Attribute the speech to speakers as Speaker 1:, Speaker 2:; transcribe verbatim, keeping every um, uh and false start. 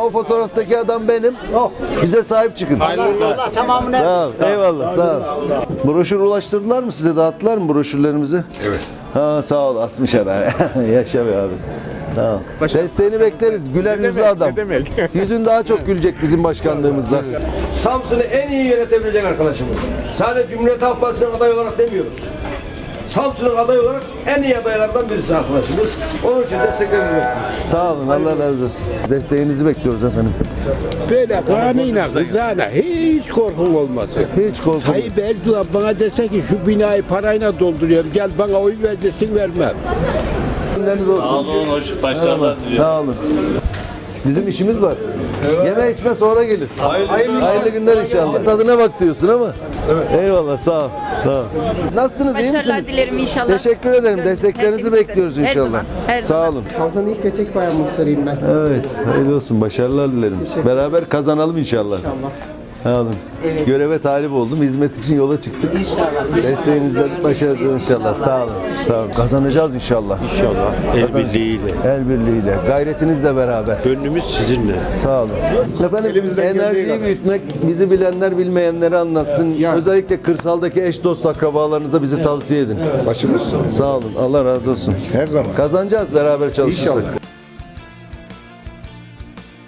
Speaker 1: o fotoğraftaki adam benim. Oh, bize sahip çıkın.
Speaker 2: Allah tamamını.
Speaker 1: Sağ ol. Eyvallah. Sağ ol. Broşür ulaştırdılar mı size? Dağıttılar mı broşürlerimizi? Evet. Ha sağ ol. Asmış araya. Yaşa be abi. Tamam. Desteğini bekleriz. Güler yüzlü adam. Yüzün daha çok gülecek bizim başkanlığımızda.
Speaker 3: Samsun'u en iyi yönetebilecek arkadaşımız. Sadece Cumhuriyet Halk Partisi'nin aday olarak demiyoruz. Samsun'un aday olarak en iyi adaylardan birisi arkadaşımız. Onun için desteklerinizi bekliyoruz.
Speaker 1: Sağ olun. Allah razı olsun. Desteğinizi bekliyoruz efendim.
Speaker 4: Böyle kanıyla kızana hiç korkum olmasın.
Speaker 1: Hiç korkmayın.
Speaker 4: Tayyip Erdoğan bana dese ki şu binayı parayla dolduruyorum, gel bana oy ver desin, vermem.
Speaker 1: Günleriniz olsun.
Speaker 5: Sağ olun, hoş başarılar diliyorum.
Speaker 1: Sağ olun. Bizim işimiz var. Yeme içme sonra gelir. Hayırlı, Hayırlı günler inşallah. Tadına bak diyorsun ama. Evet. Eyvallah sağ ol. Sağ ol. Nasılsınız? iyi
Speaker 6: Başarılar
Speaker 1: misiniz?
Speaker 6: dilerim inşallah.
Speaker 1: Teşekkür ederim.
Speaker 6: Görüşürüz.
Speaker 1: Desteklerinizi
Speaker 6: Her şeyi
Speaker 1: bekliyoruz
Speaker 6: isterim. Her
Speaker 1: inşallah.
Speaker 6: zaman, her
Speaker 1: Sağ
Speaker 6: zaman.
Speaker 1: olun.
Speaker 7: Kazan ilk ve tek bayan muhtarıyım ben.
Speaker 1: Evet. Hayırlı olsun. Başarılar dilerim. Beraber kazanalım inşallah.
Speaker 7: İnşallah.
Speaker 1: Sağ olun. Göreve talip oldum. Hizmet için yola çıktık. İnşallah. Desteğinizden başarılı inşallah. Sağ olun. Sağ olun. Kazanacağız inşallah.
Speaker 4: İnşallah el birliğiyle.
Speaker 1: El birliğiyle. Gayretinizle beraber.
Speaker 4: Gönlümüz sizinle.
Speaker 1: Sağ olun. Efendim enerjiyi büyütmek, bizi bilenler bilmeyenleri anlatsın. Özellikle kırsaldaki eş dost akrabalarınıza bizi tavsiye edin.
Speaker 8: Başımız
Speaker 1: Sağ olun. Allah razı olsun.
Speaker 8: her zaman.
Speaker 1: Kazanacağız beraber çalışırsak.
Speaker 8: İnşallah.